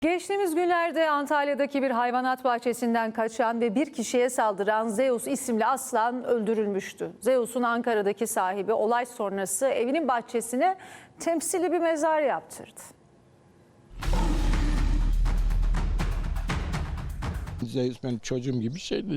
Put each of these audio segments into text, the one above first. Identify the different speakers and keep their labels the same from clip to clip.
Speaker 1: Geçtiğimiz günlerde Antalya'daki bir hayvanat bahçesinden kaçan ve bir kişiye saldıran Zeus isimli aslan öldürülmüştü. Zeus'un Ankara'daki sahibi olay sonrası evinin bahçesine temsili bir mezar yaptırdı.
Speaker 2: Zeus benim çocuğum gibi şeydi.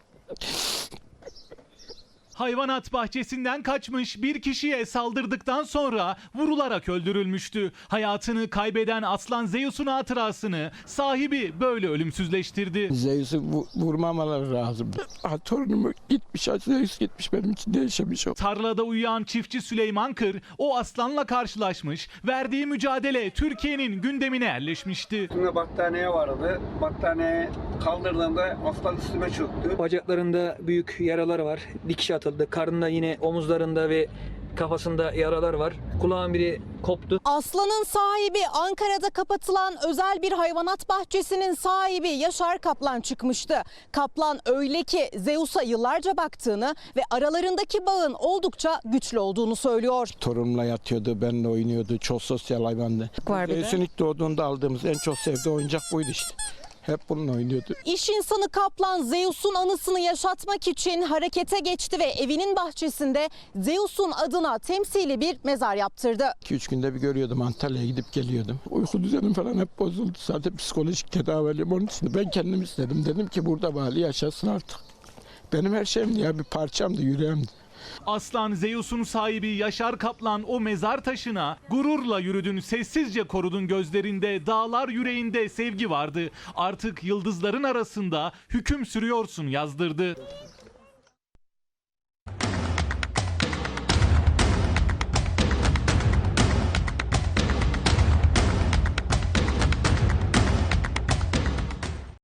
Speaker 3: Hayvanat bahçesinden kaçmış bir kişiye saldırdıktan sonra vurularak öldürülmüştü. Hayatını kaybeden aslan Zeus'un hatırasını sahibi böyle ölümsüzleştirdi.
Speaker 2: Zeus'u vurmamaları lazım. Torunumu gitmiş, Zeus gitmiş, benim için değişemiş o.
Speaker 3: Tarlada uyuyan çiftçi Süleyman Kır o aslanla karşılaşmış. Verdiği mücadele Türkiye'nin gündemine yerleşmişti.
Speaker 4: Üstümde battaniye vardı. Battaniyeyi kaldırdığımda aslan üstüme çöktü.
Speaker 5: Bacaklarında büyük yaralar var. Dikiş atıldı. Karnında yine omuzlarında ve kafasında yaralar var. Kulağın biri koptu.
Speaker 6: Aslanın sahibi Ankara'da kapatılan özel bir hayvanat bahçesinin sahibi Yaşar Kaplan çıkmıştı. Kaplan öyle ki Zeus'a yıllarca baktığını ve aralarındaki bağın oldukça güçlü olduğunu söylüyor.
Speaker 2: Torunumla yatıyordu, benimle oynuyordu. Çok sosyal hayvandı. Zeus'un ilk doğduğunda aldığımız en çok sevdiği oyuncak buydu işte. Hep bununla oynuyordu.
Speaker 6: İş insanı Kaplan Zeus'un anısını yaşatmak için harekete geçti ve evinin bahçesinde Zeus'un adına temsili bir mezar yaptırdı.
Speaker 2: 2-3 günde bir görüyordum, Antalya'ya gidip geliyordum. Uyku düzenim falan hep bozuldu. Zaten psikolojik tedaviliyim onun için. Ben kendim istedim. Dedim ki burada bari yaşasın artık. Benim her şeyimdi ya, bir parçamdı, yüreğimdi.
Speaker 3: Aslan Zeus'un sahibi Yaşar Kaplan o mezar taşına gururla yürüdün, sessizce korudun, gözlerinde dağlar, yüreğinde sevgi vardı. Artık yıldızların arasında hüküm sürüyorsun yazdırdı.